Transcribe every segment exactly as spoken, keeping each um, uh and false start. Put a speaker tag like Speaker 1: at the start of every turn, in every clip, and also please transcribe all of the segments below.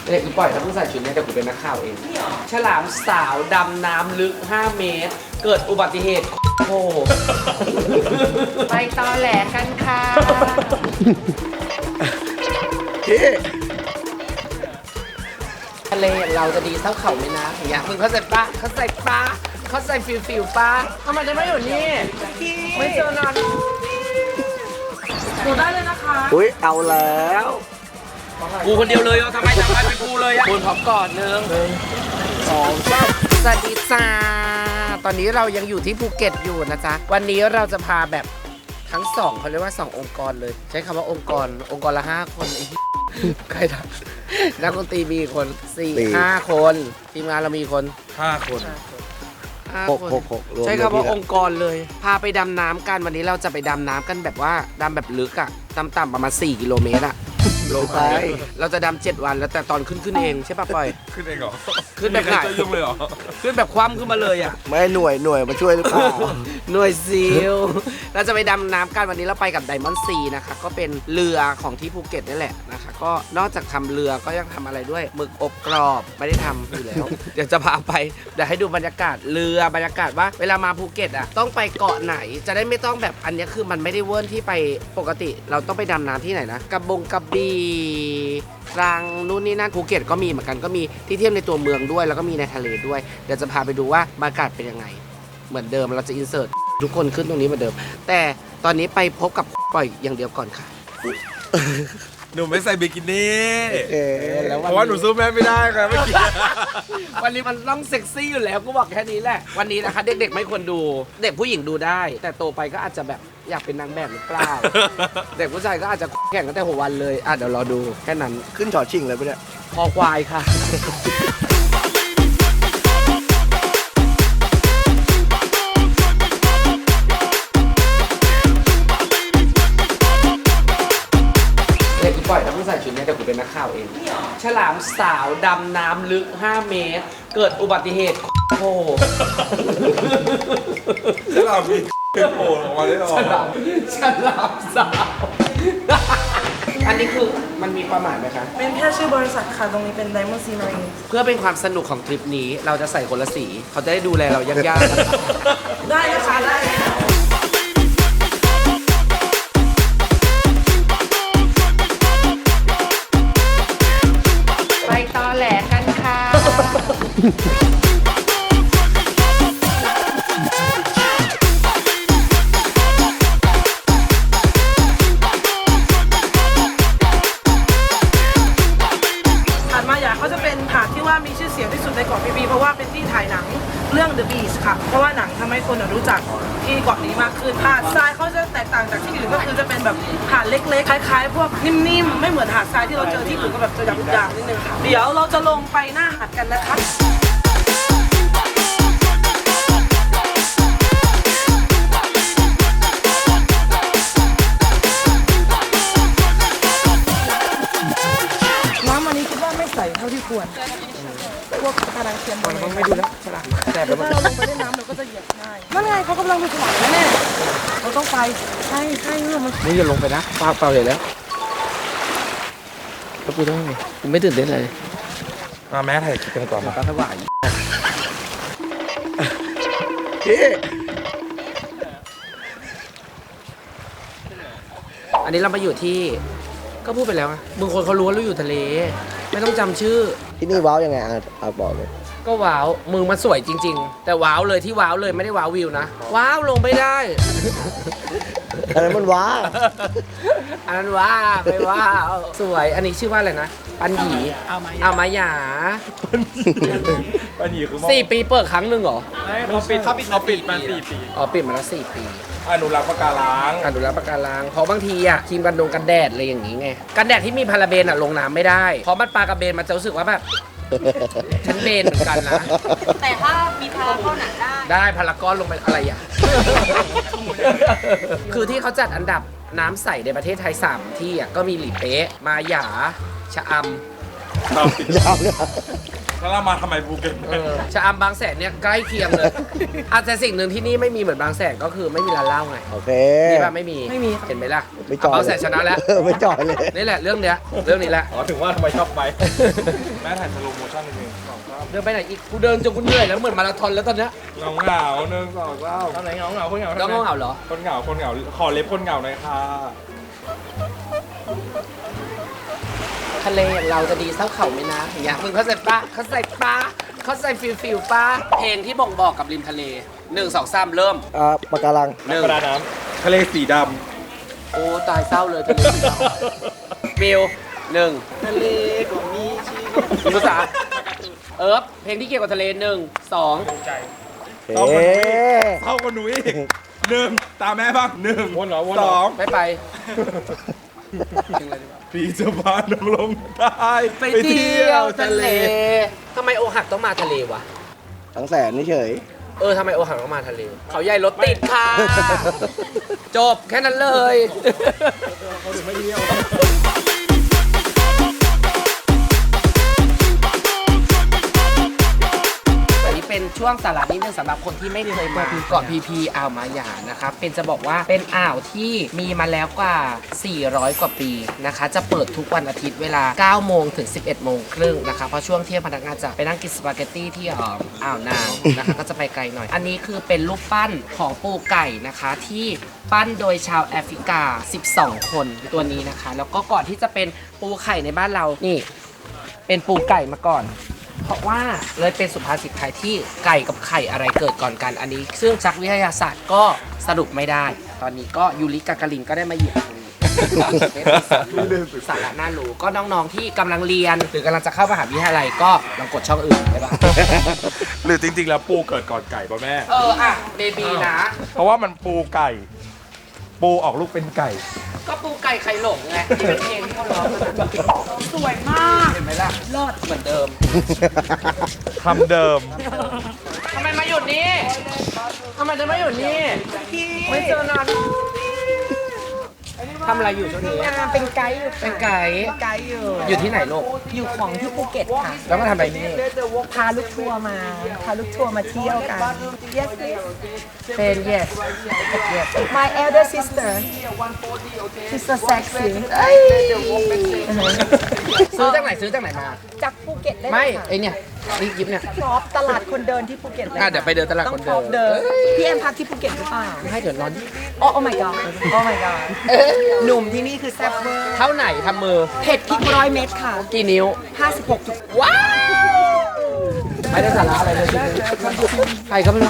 Speaker 1: เด็กกูปล่อยถ้าเพิ่งใส่ชุดนี้แต่กูเป็นนักข่าวเองฉลามสาวดำน้ำลึกห้าเมตรเกิดอุบัติเหตุโอ้ไปตอแหลกันค่ะทะเลเราจะดีเท่าเขาไหมนะอย่างเงี้ยมึงเขาใส่ปะเขาใส่ปะเขาใส่ฟิวฟิวปะทำไมจะไม่อยู่นี่ไม่เจอนานหนูได้เลยนะคะอุ้ยเอาแล้วกูคนเดียวเลยอ่ะทำไมทำไมเป็นกูเลยอ่ะคุณพร้อมก่อนหนึ่งสองสามสวัสดีจ้าตอนนี้เรายังอยู่ที่ภูเก็ตอยู่นะจ๊ะวันนี้เราจะพาแบบทั้งสองเขาเรียกว่าสององค์กรเลยใช้คำว่าองค์กรองค์กรละห้าคนไอ้ใครทำนักดนตรีมีคนสี่ห้าคนทีมงานเรามีคน
Speaker 2: ห้าคน
Speaker 1: หกหกหกใช้คำว่าองค์กรเลยพาไปดำน้ำกันวันนี้เราจะไปดำน้ำกันแบบว่าดำแบบลึกอ่ะต่ำๆประมาณสี่กิโลเมตรอ่ะลงไปเราจะดำเจ็ดวันแล้วแต่ตอนขึ้นขึ้นเองใช่ป่ะปอย
Speaker 2: ขึ้นเองเหรอ
Speaker 1: ขึ้นแบบไหน
Speaker 2: ยุ่งเลยเหรอ
Speaker 1: ขึ้นแบบคว่ำขึ้นมาเลยอ่ะ
Speaker 3: ไม่หน่วยหน่วยมาช่วยหรือเปล่า
Speaker 1: หน่วยซิลเราจะไปดำน้ำกันวันนี้เราไปกับไดมอนด์ซีนะคะก็เป็นเรือของที่ภูเก็ตนี่แหละนะคะก็นอกจากทำเรือก็ยังทำอะไรด้วยหมึกอบกรอบไม่ได้ทำอยู่แล้วเดี๋ยวจะพาไปเดี๋ยวให้ดูบรรยากาศเรือบรรยากาศว่าเวลามาภูเก็ตอ่ะต้องไปเกาะไหนจะได้ไม่ต้องแบบอันนี้คือมันไม่ได้เวิร์นที่ไปปกติเราต้องไปดำน้ำที่ไหนนะกระบงกระบี่รังนู่นนี่นั่นภูเก็ตก็มีเหมือนกันก็มีที่เที่ยวในตัวเมืองด้วยแล้วก็มีในทะเลด้วยเดี๋ยวจะพาไปดูว่าบรรยากาศเป็นยังไงเหมือนเดิมเราจะอินเสิร์ตทุกคนขึ้นตรงนี้เหมือนเดิมแต่ตอนนี้ไปพบกับปล่อยอย่างเดียวก่อนค่ะ
Speaker 2: หนูไม่ใส่บิกินี่
Speaker 1: แล้ว
Speaker 2: เพราะว่าหนูสู้แม่ไม่ได้ครับเมื่อกี้
Speaker 1: วันนี้มันต้องเซ็กซี่อยู่แล้วกูบอกแค่นี้แหละวันนี้นะคะเด็กๆไม่ควรดูเด็กผู้หญิงดูได้แต่โตไปก็อาจจะแบบอยากเป็นนางแบบหรือเปล่าเด็กผู้ชายก็อาจจะแข่งกันแต่หัววันเลยอ่ะเดี๋ยวรอดูแค่นั้น
Speaker 3: ขึ้นชอชิงเลยปะเนี่ย
Speaker 1: คอควายค่ะปล่อยถ้าเพิ่งใส่ชุดนี้แต่กูเป็นนักข่าวเองฉลามสาวดำน้ำลึกห้าเมตรเกิดอุบัติเหตุโอ้
Speaker 2: ฉลามมีโผล่ออกมาได้หรอ
Speaker 1: ฉลามฉลามสาวอันนี้คือมันมีความหมายไหมคะ
Speaker 4: เป็นแค่ชื่อบริษัทค่ะตรงนี้เป็น Diamond Sea Marine
Speaker 1: เพื่อเป็นความสนุกของทริปนี้เราจะใส่คนละสีเขาจะได้ดูแลเรายาก
Speaker 4: ๆได้นะคะได้
Speaker 1: ตอแหลกันค่ะ
Speaker 4: หาดมาหยาเขาจะเป็นหาดที่ว่ามีชื่อเสียงที่สุดในเกาะพีพีเพราะว่าเป็นที่ถ่ายหนังเรื่อง The Beach ค่ะเพราะว่าหนังทำให้คนรู้จักที่เกาะนี้มากขึ้นหาดทรายเขาจะแตกต่างจากที่อื่นก็คือจะเป็นแบบหาดเล็กๆคล้ายๆพวกนิ่มๆไม่เหมือนหาดทรายที่เราเจอที่อื่นก็แบบจะหยาบๆนิดนึงค่ะเดี๋ยวเราจะลงไปหน้าหาดกันนะคะน้ำอันนี้คิดว่าไม่ใสเท่าที่ควรพวกกระดังเทียมบอล
Speaker 1: ไม่ดูแล้วฉลามแต่
Speaker 4: ถ้าเราลงไปเล่นน้ำเราก็จะเหยียบง่ายนั่นไงเขากำลังไปฉลามแน่เราต้องไปใช่ใช่เรื่องมัน
Speaker 1: นี่อย่าลงไปนะเปล่าเปล่าเลยแล้วแล้วกูต้องไงกูไม่ตื่นเต้นเลย
Speaker 2: มาแม่ถ่ายคลิปกันก่อน
Speaker 1: มาถวายอันนี้เรามาอยู่ที่ก็พูดไปแล้วอะมึงคนเขารู้ว่าเราอยู่ทะเลไม่ต้องจำชื่อ
Speaker 3: ที่นี่ว้าวยังไงอ่ะบอกเลย
Speaker 1: ก็ว้าวมึงมันสวยจริงๆแต่ว้าวเลยที่ว้าวเลยไม่ได้ว้าววิวนะว้าวลงไม่ได้
Speaker 3: อันนั้นมันว้า
Speaker 1: อันนั้นว้าไม่ว้าวสวยอันนี้ชื่อว่าอะไรนะปันหยีเอามาหยา
Speaker 2: ปันหยีคือ
Speaker 1: สี่ปีเปิดครั้งหนึ่งเหรอ
Speaker 2: เขาปิดเขาปิดเขาปิดมาสี่ปี
Speaker 1: อ๋อปิดมาแล้วสี่ปี
Speaker 2: อนุรักษ์ปะการัง
Speaker 1: อนุรักษ์ปะการังเพราะบางทีอ่ะครีมกันดงกันแดดอะไรอย่างงี้ไงกันแดดที่มีพาราเบนอ่ะลงน้ำไม่ได้เพราะมันปลากระเบนมันจะรู้สึกว่าแบบฉันเบนเหมือนกันนะ
Speaker 5: แต่ถ้ามีพารากอนได้
Speaker 1: ได้พารากอนลงไปอะไรอ่ะคือที่เขาจัดอันดับน้ำใสในประเทศไทยสามที่อ่ะก็มีหลีเป๊ะมาหยาชะอำ
Speaker 3: ยาวเลย
Speaker 2: แล้วเรามาทำไมภูเก็ต
Speaker 1: เออชะอำบางแสนเนี่ยใกล้เคียงเลย อาจจะสิ่งหนึ่งที่นี่ไม่มีเหมือนบางแสนก็คือไม่มีร้านเหล้าไง
Speaker 3: โอเค
Speaker 1: นี่ป่ะไม่มี
Speaker 4: ไม่มี
Speaker 1: เห็นไหมล่ะ
Speaker 3: ไม่จอย
Speaker 1: บางแสนชนะแล้ว
Speaker 3: เออไม่จอยเลย
Speaker 1: นี่แหละเรื่องเนี้ยเรื่องนี้แหละ
Speaker 2: อ๋อถึงว่าทำไมชอบไป แม่ถ่ายสโลโมชั่นนิดนึงสองสาม
Speaker 1: เดินไปไหนอีกกูเดินจนกูเหนื่อยแล้วเหมือนมาราธอนแล้วตอนเนี้ย
Speaker 2: เงาเหงาหนึ่งสองสามทำไหนเงาเหงาคนเหงา
Speaker 1: แล้วก็เหงาเหรอ
Speaker 2: คนเหงาคนเหงาขอเล็บคนเหงาหน่อยค่ะ
Speaker 1: ทะเลอย่างเราจะดีเท่าเขาไหมนะอย่างเงี้ยมึงเข้าใจปะเข้าใจปะเข้าใจฟิลฟิลปะเพลงที่บ่งบอกกับริมทะเลหนึ่งสองสามเริ่ม
Speaker 3: อ่าปะการัง
Speaker 1: หนึ่ง
Speaker 2: กระดาน้ำทะเลสีด
Speaker 1: โอ้ตายเศร้าเลยทะเลสีดำมิวหนึ่ง
Speaker 2: ำทะเลก็มีชีวิต
Speaker 1: ภาษาเอิร์ฟเพลงที่เกี่ยวกับทะเลหนึ่งสอง
Speaker 3: เอ๊ะ
Speaker 2: เท่ากับหนูอีกหนึ่งตามแม่บ้างหนึ่ง
Speaker 6: วนเหรอวน
Speaker 2: ส
Speaker 6: เหรอ
Speaker 2: อง
Speaker 1: ไม่ไป
Speaker 2: พี่จะพาน้องลงใต้
Speaker 1: ไปเที่ยวทะเลทำไมโอหักต้องมาทะเลวะ
Speaker 3: ทั้งแสนนี่เฉย
Speaker 1: เออทำไมโอหักต้องมาทะเล เขาใหญ่รถติดค่ะ จบแค่นั้นเลย อันนี้เป็นช่วงสาระนิดนึงสำหรับคนที่ไม่เคยมาเกาะพีพีอ่าวมาหยานะครับ เป็นจะบอกว่าเป็นอ่าวที่มีมาแล้วกว่า สี่ร้อย กว่าปีนะคะ จะเปิดทุกวันอาทิตย์เวลา เก้า โมงถึง สิบเอ็ด โมงครึ่งนะคะ เพราะช่วงเที่ยงพนักงานจะไปนั่งกินสปาเกตตี้ที่อ่าวอ่าวนางนะคะ ก็จะไปไกลหน่อย อันนี้คือเป็นรูปปั้นของปูไก่นะคะที่ปั้นโดยชาวแอฟริกา สิบสอง คนตัวนี้นะคะ แล้วก็ก่อนที่จะเป็นปูไข่ในบ้านเรานี่เป็นปูไก่มาก่อน เพราะว่าเลยเป็นสุภาษิตไทยที่ไก่กับไข่อะไรเกิดก่อนกันอันนี้ ซึ่งชักวิทยาศาสตร์ก็สรุปไม่ได้ ตอนนี้ก็ยูริกากาลินก็ได้มาเหยียบตรงนี้ สาระน่ารู้ก็น้องๆที่กำลังเรียน หรือกำลังจะเข้ามหาวิทยาลัยก็ลองกดช่องอื่นไปบ้าง
Speaker 2: หรือจริงๆแล้วปูเกิดก่อนไก่ป่ะแม่
Speaker 1: เอออ่ะเบบีนะ
Speaker 2: เพราะว่ามันปูไก่ ปูออกลูกเป็นไก่
Speaker 1: ก็ปูไก่ไข่หลงไงที่เป็นเพลงที่เขาร้องกัน
Speaker 4: สวยมาก
Speaker 1: เห็นไหมล่ะรอดเหมือนเดิม
Speaker 2: คำเดิม
Speaker 1: ทำไมมาหยุดนี่ทำไมจะไม่หยุดนี่ไม่เจอนานทำอะไรอยู่ช่วงนี้
Speaker 7: เป็นไกด์อยู่
Speaker 1: เป็นไก่
Speaker 7: ไกด์อยู่
Speaker 1: อยู่ที่ไหนลูก
Speaker 7: อยู่ของที่ภูเก็ตค่ะ
Speaker 1: แล้วมาทำอะไรนี่
Speaker 7: พาลูกทัวร์มา พาลูกทัวร์มาเที่ยวกัน yes yes
Speaker 1: เป็น yes yes
Speaker 7: my elder sister she's so sexy
Speaker 1: ซื้อจากไหนซื้อจากไหนมา
Speaker 7: จากภูเก็ตได้
Speaker 1: ไม่
Speaker 7: เลยค่ะ
Speaker 1: ไอเนี่ยนี่ยิบเนี่ย
Speaker 7: ชอบตลาดคนเดินที่ภูเก็ตเลย
Speaker 1: อ่ะเดี๋ยวไปเดินตลาด
Speaker 7: ต้อ
Speaker 1: ค
Speaker 7: ง
Speaker 1: น
Speaker 7: ชอบ
Speaker 1: เดิ
Speaker 7: เดิ
Speaker 1: น
Speaker 7: นพี่แอมพักที่ภูเก็ตหรือเปล่า
Speaker 1: ให้เดี๋ยวนอน
Speaker 7: โอ้ oh my god oh my god หนุ่มที่นี่คือแซ่บเวอร์
Speaker 1: เท่าไหนทำมือ
Speaker 7: เผ็ดพริกร้อยเม็ดค่ะ
Speaker 1: กี่นิ้ว
Speaker 7: ห้าสิบหกจุด
Speaker 1: ว้าวไม่ได้สาระอะไรเลยใครก็ไม่รู้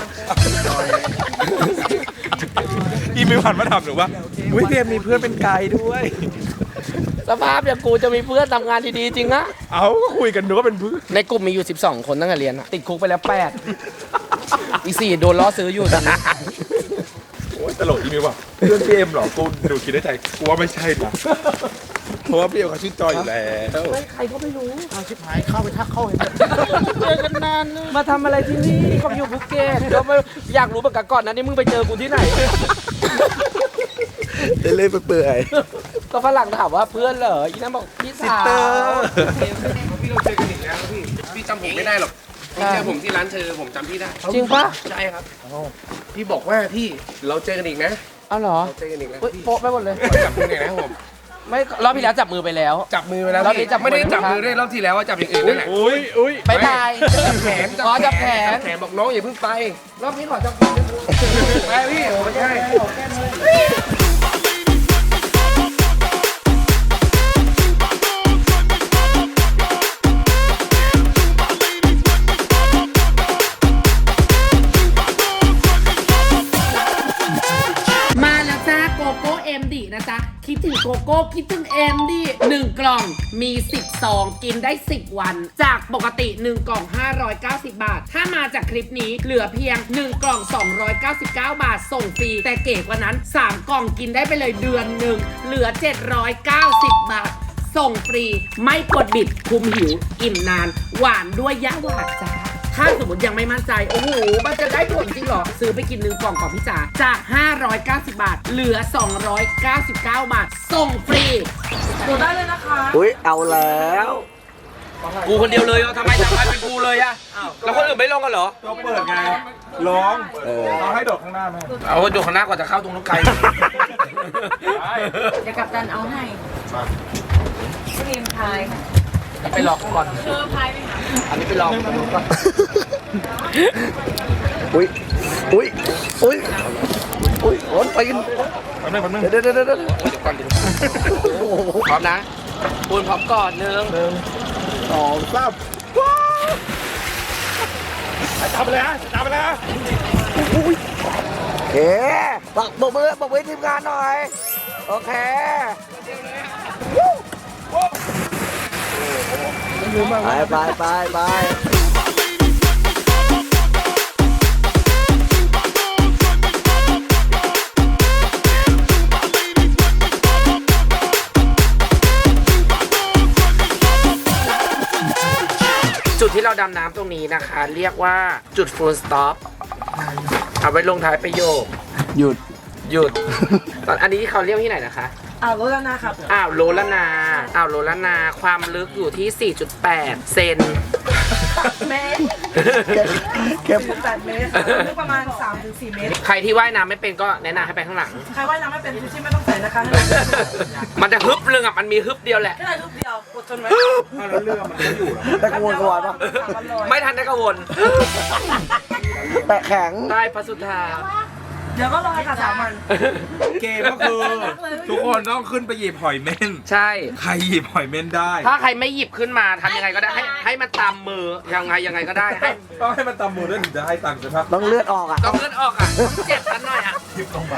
Speaker 2: อีมิวหันมาถามหนูว่าอุ้ยเพียมมีเพื่อนเป็นไกด์ด้วย
Speaker 1: สภาพอย่างกูจะมีเพื่อนทำงานดีๆจริงนะ
Speaker 2: เอาก็คุยกันหนูว่าเป็นเพื่อน
Speaker 1: ในกลุ่มมีอยู่ สิบสอง คนตั้งแต่เรียนอะติดคุกไปแล้วแปดอีกสี่โดนล้อซื้ออยู่ตอนนี้
Speaker 2: โอ้ยตลกอีมิวว่ะเพื่อนพี่เอ็มเหรอกูหนูคิดในใจกูว่าไม่ใช่นะเพราะว่าพี่เอ็มเขาชื่อจอยอยู่แล้ว
Speaker 1: ใครก็ไม่รู้เอาชิบหายเข้าไปทักเข้าเห็นเจอกันนานมาทำอะไรที่นี่เขาอยู่ภูเก็ตก็ไม่อยากรู้เหมือนกันก่อนนะนี่มึงไปเจอกูที่ไหน
Speaker 3: เล่นๆเปื่อย
Speaker 1: ก็ฝรั่งถามว่าเพื่อนเหรออีนั่นบอกพี่สาว
Speaker 6: พี่เราเจอกันอีกแล้วพี่ พี่จำผมไม่ได้หรอก พี่เจอผมที่ร้านเชอผมจำพี่ได้
Speaker 1: จริงปะ
Speaker 6: ใช่ครับ พี่บอกว่าพี่เราเจอกันอีกนะ
Speaker 1: เอาเหรอ
Speaker 6: เราเจอกันอีกแล้ว
Speaker 1: เฮ้ย
Speaker 6: พี่
Speaker 1: โป๊ะไปหมดเลย
Speaker 6: จับมือหน่อยนะครับผม
Speaker 1: ไม่รอบที่แล้วจับมือไปแล้ว
Speaker 6: จับมือไปแล้ว
Speaker 1: รอบนี้
Speaker 6: พี่
Speaker 1: จับมือ
Speaker 6: ไม่ได้จับมือด้วยรอบที่แล้วว่าจับอย่างอื่นนั่นแหละ
Speaker 2: อุ้ยอุ้ย
Speaker 1: ไปบาย
Speaker 6: จับแขน
Speaker 1: อ๋อจับแขน
Speaker 6: จับแขนบอกน้องอย่าเพิ่งไป
Speaker 1: รอบนี้ขอจับแขน
Speaker 6: ไปพี่โอ้ไม่ใช่
Speaker 1: มาแล้วจ้าโกโก้เอ็มดีนะจ๊ะคิดถึงโกโก้คิดถึงเอ็มดีหนึ่งกล่องมีสิบซองกินได้สิบวัน จากปกติหนึ่งกล่องห้าร้อยเก้าสิบบาท ถ้ามาจากคลิปนี้เหลือเพียงหนึ่งกล่องสองร้อยเก้าสิบเก้าบาทส่งฟรีแต่เก๋กว่านั้นสามกล่องกินได้ไปเลยเดือนหนึ่งเหลือเจ็ดร้อยเก้าสิบบาทส่งฟรีไม่กดบิดคุมหิวอิ่มนานหวานด้วยยะหวานจ้าถ้าสมมติยังไม่มั่นใจโอ้โหมันจะได้ผลจริงเหรอซื้อไปกินหนึ่งกล่องก่อนพี่จ๋าจากห้าร้อยเก้าสิบบาทเหลือสองร้อยเก้าสิบเก้าบาทส่งฟรี
Speaker 4: ดูได้เลยนะคะ
Speaker 3: ๆอุ้ยเอาแล้ว
Speaker 1: กูคนเดียวเลยเหรอทำไมทำไมเป็นกูเลยอะแล้วคนอื่นไม่ลงกันเหรอ
Speaker 2: ตัวเปิดไงร้อง
Speaker 3: เออ
Speaker 2: เราให้โดดข้างหน้าไหม
Speaker 1: เอาดูข้างหน้าก่อนจะเข้าตรงนู้นไกล
Speaker 5: เดี๋ยวกัปตันเอาให้เรียนพายค่ะ
Speaker 1: ไปรอก่อน
Speaker 5: เธอพายไปหา
Speaker 1: อันนี้ไปรอก่อน
Speaker 3: อุ้ยอุ้ยอุ้ยอุ้ยร้อนไปกัน
Speaker 2: แป๊บนึงแป๊บนึง
Speaker 3: เดี๋ยวเดี๋ยวเดี๋ยวเดี๋ยว
Speaker 1: เดี๋ยวก่อนเดี๋ยวพร้อมนะปูนพร้อมก่อนหนึ่ง
Speaker 3: หนึ่งสองสาม
Speaker 2: จับไปเลยฮะจับไปเลยฮะ
Speaker 3: อุ้ยโอเคบอกบอกมือบอกมือทีมงานหน่อย โอเค ไปไปไปไป
Speaker 1: จุดที่เราดำน้ำตรงนี้นะคะ เรียกว่าจุด full stop เอาไว้ลงท้ายประโยค
Speaker 3: หยุด
Speaker 1: หยุด ตอนอันนี้เขาเรียกที่ไหนนะคะ
Speaker 4: อ่าวรถแล้วนะครับ
Speaker 1: อ่าวโลละนาอ่าวโลละนา ความลึกอยู่ที่ สี่จุดแปด เซน
Speaker 4: เมตร
Speaker 3: เก็บเก็บ
Speaker 4: แปดเมตรค่ะลึกประมาณสามถึงสี่เมตร
Speaker 1: ใครที่ว่ายน้ำไม่เป็นก็แนะนำให้ไปข้างหลัง
Speaker 4: ใครว่ายน้ำไม่เป็นชูชีพไม่ต้องใส่นะคะให้มัน
Speaker 1: มันจะฮึบเรื่องอ่ะ มันมีฮึบเดียวแหละ
Speaker 4: แค่รูปเดียวกดทนไว้
Speaker 2: แล้วเรือมันก็อยู่เหรอ
Speaker 3: ตะกวนกวนปะ
Speaker 1: ไม่ทันได้กังวล
Speaker 3: แตะแข็ง
Speaker 1: ได้พระสุธา
Speaker 4: เดี๋ยวก็รอค่ะสามวัน
Speaker 2: เกมก็คือ ทุกคนต้องขึ้นไปหยิบหอยเม่น
Speaker 1: ใช่
Speaker 2: ใครหยิบหอยเม่นได้
Speaker 1: ถ้าใครไม่หยิบขึ้นมาทำยังไงก็ได้ ให้ให้มันตามมือ ยังไงยังไงก็ได้ ให้
Speaker 2: ต้องให้มันตำมือด้วยถึงจะให้ตังค์ใช่ปะ
Speaker 3: ต้องเลือดออกอ่ะ
Speaker 1: ต้องเลือดออกอ่ะต้องเจ็บกันหน่อยอ่ะ
Speaker 2: หยิบลงไป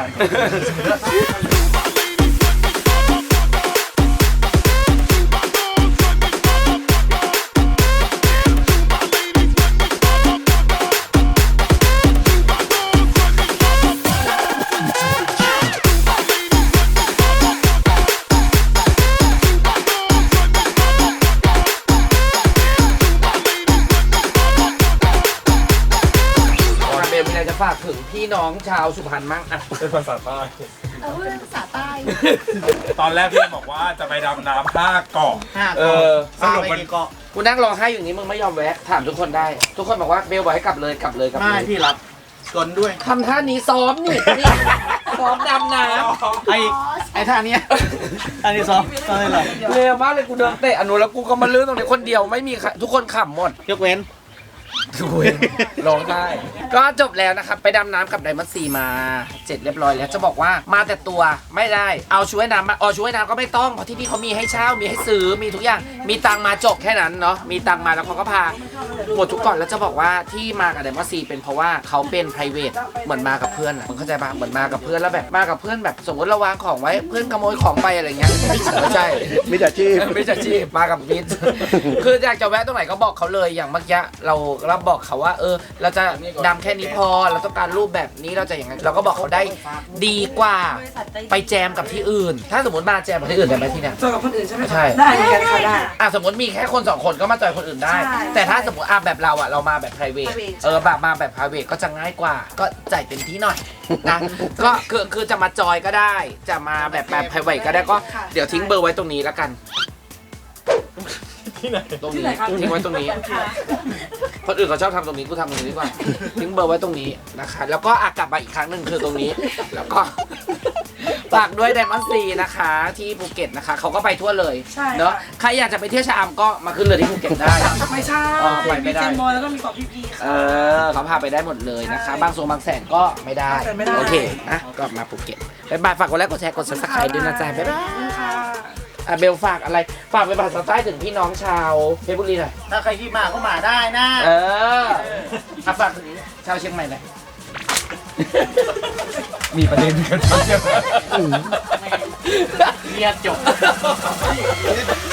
Speaker 1: เบลมีอะไรจะฝากถึงพี่น้องชาวสุพรรณมั่งอ่ะ
Speaker 2: เป็นภาษาใต้
Speaker 5: เอาเรื่องภาษาใต้
Speaker 2: ตอนแรกพี่บอกว่าจะไปดำน้ำห้าเกาะ
Speaker 1: เออ
Speaker 2: สรุปมัน
Speaker 1: กูนั่งร้องไห้อยู่นี้มึงไม่ยอมแวะ ถามทุกคนได้ ทุกคนบอกว่าเบลบอกให้กลับเลยกลับเลยกลับเลย
Speaker 3: พี่รับกลด้วย
Speaker 1: ทำท่านี้ซ้อมนี่นี่ซ้อมดำน้ำ
Speaker 3: ไอไอท่านี้อันนี้ซ้อมซ้อมเลยเหรอ
Speaker 1: เร็วมากเลยกูเดินเตะอนุแล้วกูก็มาลื่นตรงนี้คนเดียวไม่มีใครทุกคนขำหมด
Speaker 3: ยกเว้น
Speaker 1: คุยร้องได้ก็จบแล้วนะครับ ไปดำน้ำกับไดมอนด์ซีมาเสร็จเรียบร้อยแล้วจะบอกว่ามาแต่ตัวไม่ได้เอาช่วยน้ำมาเอาช่วยน้ำก็ไม่ต้องเพราะที่นี่เขามีให้เช่ามีให้ซื้อมีทุกอย่างมีตังมาจบแค่นั้นเนาะมีตังมาแล้วเขาก็พาหมดทุกก่อนแล้วจะบอกว่าที่มากับไดมอนด์ซีเป็นเพราะว่าเขาเป็น private เหมือนมากับเพื่อนอะมึงเข้าใจปะเหมือนมากับเพื่อนแล้วแบบมากับเพื่อนแบบสมมติเราวางของไว้เพื่อนขโมยของไปอะไรเงี้ยไม่ใช่
Speaker 3: มิจฉาชีพ
Speaker 1: ไม่ใช่ชีพมากับมิตร คืออยากจะแวะตรงไหนก็บอกเขาเลยอย่างเมื่อกี้เราเราบอกเขาว่า เออ เราจะดำแค่นี้พอเราต้องการรูปแบบนี้เราจะอย่างนั้นเราก็บอกเขาได้ดีกว่าไปแจมกับที่อื่น ถ้าสมมติมาแจมกับที่อื่นได้ไหมที่เนี่ย
Speaker 4: เจอกับคนอื่นใช่ไหมคะ
Speaker 1: ใช่
Speaker 4: ได้เหมือนกันค่ะได้
Speaker 1: อ่ะสมมติมีแค่คนสองคนก็มาจอยคนอื่นได้
Speaker 4: ใช่
Speaker 1: แต่ถ้าสมมติอ่ะแบบเราอ่ะเรามาแบบ private
Speaker 4: private
Speaker 1: เออแบบมาแบบ private ก็จะง่ายกว่า ก็จ่ายเต็มที่หน่อยนะก็คือคือจะมาจอยก็ได้ จะมาแบบแบบ private ก็ได้ก็เดี๋ยวทิ้งเบอร์ไว้ตรงนี้แล้วกัน
Speaker 2: ที่ไหน
Speaker 1: ตรงนี้ทิ้งไว้ตรงนี้ คนอื่นเขาชอบทำตรงนี้กูทำตรงนี้ดีกว่าทิ้งเบอร์ไว้ตรงนี้นะคะ แล้วก็อากลับมาอีกครั้งหนึ่งคือตรงนี้ แล้วก็ฝากด้วยไดมอนด์ซีนะคะ ที่ภูเก็ตนะคะเขาก็ไปทั่วเลย
Speaker 4: ใช่ค่ะ
Speaker 1: เนาะใครอยากจะไปเที่ยวชะอำก็มาขึ้นเรือที่ภูเก็ตได้
Speaker 4: ไม่ใช่
Speaker 1: อ๋อไปไม่
Speaker 4: มี
Speaker 1: ได้
Speaker 4: เจมบอยแล้วก็มีเกาะพีพี
Speaker 1: เอ
Speaker 4: ค่ะ
Speaker 1: อเขาพาไปได้หมดเลยนะคะ บางส่วนบางแสนก็ไม่ได้
Speaker 4: บางแสนไม่ได้
Speaker 1: โอเคนะก็มาภูเก็ตบ๊ายบายฝากกดไลค์กดแชร์กดซับสไครต์ด้วยนะจ๊ะบ๊ายบาย
Speaker 4: ค่ะ
Speaker 1: อ่ะเบลฝากอะไรฝากไปภาษาใต้ถึงพี่น้องชาวเพชรบุรีหน่อย
Speaker 3: ถ้าใครที่มาก็มาได้นะ
Speaker 1: เอออ่ะฝากถึงชาวเชียงใหม่หน่อย
Speaker 2: มีประเด็นกันเยอะ
Speaker 1: เรียกจบ